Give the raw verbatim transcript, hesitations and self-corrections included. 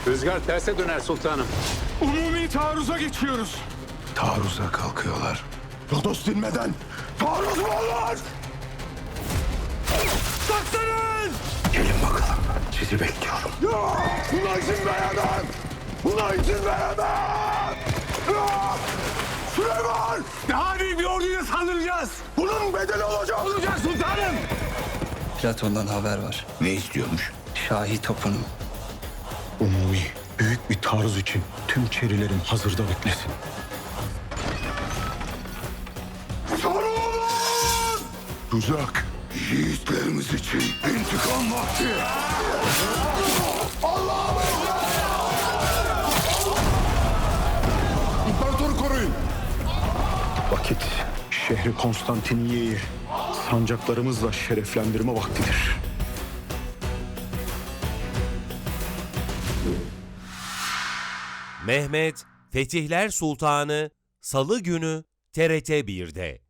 Rüzgar terse döner sultanım. Umumi taarruza geçiyoruz. Taarruza kalkıyorlar. Rodos dinmeden taarruz mu olur? Saklanın! Gelin bakalım. Sizi bekliyorum. Ya! Buna izin veremem! Buna izin veremem! Ya! Süleyman! Daha büyük bir orduyla saldıracağız. Bunun bedeli olacak. Olacak sultanım. Platon'dan haber var. Ne istiyormuş? Şahi topunun. Umumi büyük bir taarruz için tüm çerilerin hazırda beklesin. Sarılın! Tuzak. Yiğitlerimiz için intikam vakti. Allah'ım! İmparatoru koruyun. Vakit şehri Konstantiniye'yi sancaklarımızla şereflendirme vaktidir. Mehmet Fetihler Sultanı Salı günü T R T bir'de.